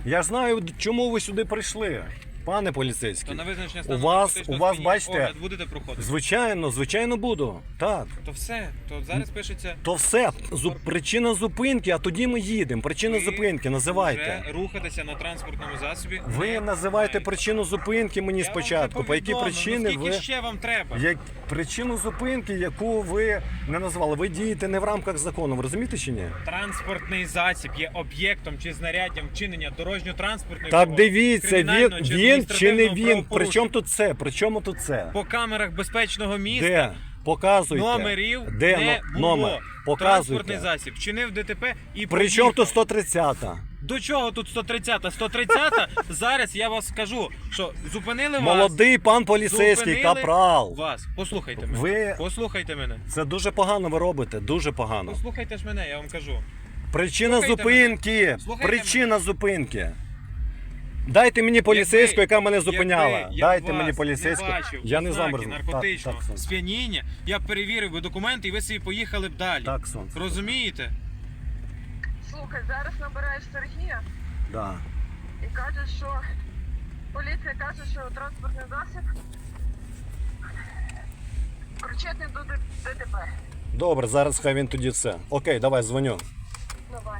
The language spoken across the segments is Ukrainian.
Я ж знаю, чому ви сюди прийшли, пане То поліцейський. на визначення У стану вас, наркотичного сп'яніння бачите, огляд будете проходити? звичайно буду. Так. То все, то зараз пишеться... То все, причина зупинки, а тоді ми їдемо. Причина зупинки, називайте. Вже рухатися на транспортному засобі. Ви не називайте маєте. причину зупинки мені Я вам спочатку. вже По якій повідомив, причини скільки ви... ще вам треба? Причину зупинки, яку ви не назвали. Ви дієте не в рамках закону, ви розумієте чи ні? Транспортний засіб є об'єктом чи знаряддям вчинення дорожньо-транспортної Так пригоди, дивіться, кримінального він чи чи не адміністративного він. При правопорушення. чому тут це? При чому тут це? По камерах безпечного міста Де? Показуйте. номерів Де не було. номер? Транспортний Показуйте. засіб вчинив ДТП і При чому поїхав. тут 130-та? До чого тут 130-та? 130-та, зараз я вас скажу, що зупинили вас. Молодий пан поліцейський, зупинили капрал. Вас. Послухайте мене. Ви- Послухайте мене. Це дуже погано ви робите, дуже погано. Послухайте ж мене, я вам кажу. Причина Слухайте зупинки. мене. Слухайте Причина зупинки. Дайте мені поліцейську, яка мене зупиняла. Якби я Дайте вас мені поліцейську. Не бачив Я не ознаки замерзну. наркотичного Так, сонце. сп'яніння, я б перевірив би документи і ви собі поїхали б далі. Так, сонце. Розумієте? Слухай, зараз набираєш Сергія Да. і кажеш, що поліція каже, що транспортний засіб причетний до ДТП. Добре, зараз хай він тоді це. Окей, давай, дзвоню. Давай.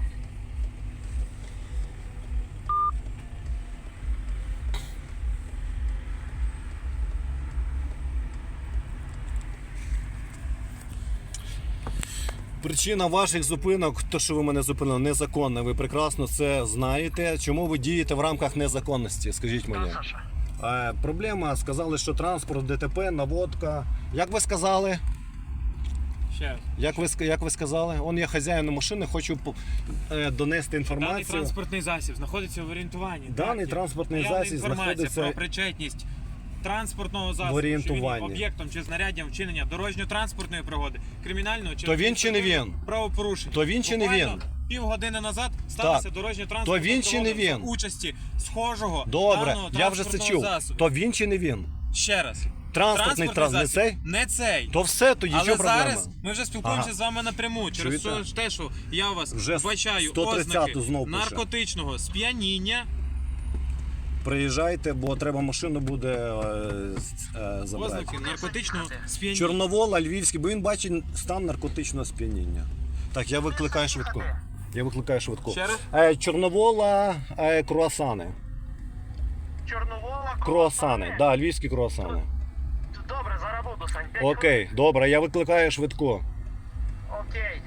Причина ваших зупинок, то що ви мене зупинили, незаконна. Ви прекрасно це знаєте. Чому ви дієте в рамках незаконності? Скажіть мені. Проблема, сказали, що транспорт, ДТП, наводка. Як ви сказали? Ще раз. Як ви сказали? Он я хазяїн машини, хочу донести Даний інформацію. транспортний засіб знаходиться в орієнтуванні. Даний Так, транспортний наявна засіб інформація знаходиться про причетність транспортного засобу, в орієнтуванні. що він є об'єктом чи знаряддям вчинення дорожньо-транспортної пригоди, кримінального чи То він чи не він? правопорушення. То він чи не Буквально він? Півгодини назад сталося Так. дорожньо-транспортна То він чи не пригода за він? участі схожого Добре, даного я вже це транспортного чув. засобу. То він чи не він? Ще раз. Транспортний не засіб цей? не цей. То все, тоді Але що проблема? зараз ми вже спілкуємося Ага. з вами напряму через Чуєте? те, що я у вас Вже бачаю 130-ту ознаки знов пише. наркотичного сп'яніння. Приїжджайте, бо треба машину буде забрати. Ознаки наркотичного сп'яніння. Чорновола, Львівський, бо він бачить стан наркотичного сп'яніння. Так, я викликаю швидку. Я викликаю швидку. Ще раз? Чорновола, круасани. Чорновола, Круасани, да, львівські круасани. Добре, зараз буду, Сань. 5 Окей, добре, я викликаю швидку. хвилин. Окей.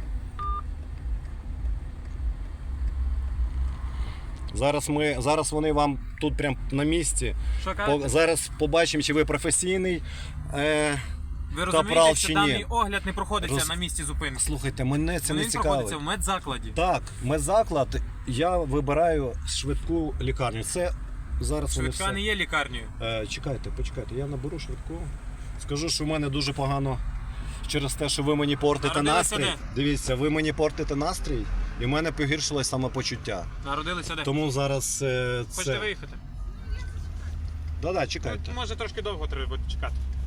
Зараз вони вам тут прям на місці. Що кажете? Зараз побачимо, чи ви професійний. Ви капрал розумієте, чи що ні? даний огляд не проходиться Роз- на місці зупинки. Слухайте, мене це не Він проходиться цікавить. в медзакладі. Так, медзаклад, я вибираю швидку лікарню. Це зараз вони Швидка все. не є лікарнею. Чекайте, почекайте, я наберу швидку. Скажу, що в мене дуже погано через те, що ви мені портите Народилися настрій. де? Дивіться, ви мені портите настрій, і в мене погіршилось самопочуття. Народилися де? Тому зараз Хочете це. виїхати? Да-да, чекайте. Може трошки довго треба буде чекати.